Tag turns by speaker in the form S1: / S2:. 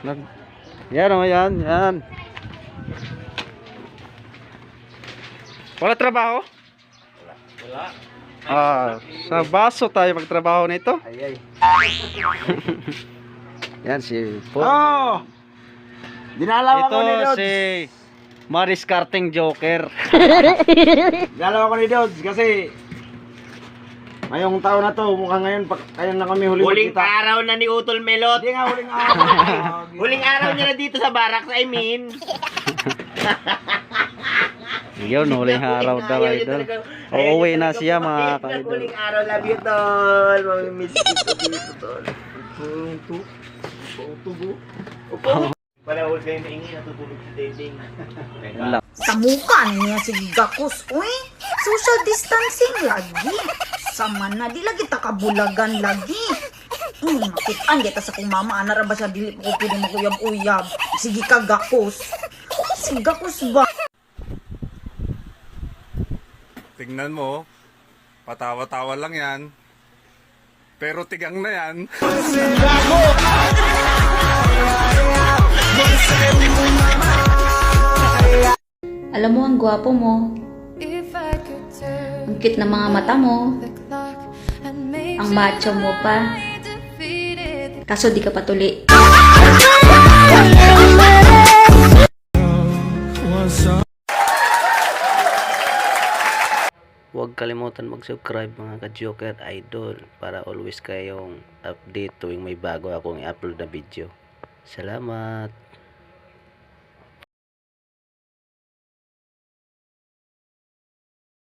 S1: Yan o, yan. Wala trabaho?
S2: Wala.
S1: Sa baso tayo magtrabaho nito.
S2: Ay.
S1: Yan si Paul.
S2: Oh! Dinalaw ako ni
S1: Ito
S2: Dods.
S1: si Maris Karting Joker.
S2: Dinalaw ako ni Dods kasi ngayong taon na to, mukhang ngayon na kami huling
S3: Huling araw na ni Utol Melot.
S2: Hindi nga huling araw.
S3: Huling araw niya na dito sa barracks, I mean.
S1: Yun, huling araw daw idol. Uuwi na siya mga ka-idol.
S3: Huling araw, love you, Tol. Mamimiss ko dito, Tol. Tubo. Wala ulit kayo maingi, natutulog si Dending.
S4: Tamukan niya si Gakos, uy. Social distancing lagi. Sama na, di lagi takabulagan lagi. Makitaan kita sa kong mama, anara ba siya dili ko pwede makuyab-uyab. Sige ka, Gakos. Si Gakos ba?
S5: Tingnan mo, patawa-tawa lang yan. Pero tigang na yan.
S6: Alam mo, ang gwapo mo. Ang cute ng mga mata mo. Ang macho mo pa. Kaso di ka patuli.
S1: Huwag kalimutan mag-subscribe mga ka-Joker Idol para always kayong update tuwing may bago akong i-upload na video. Salamat!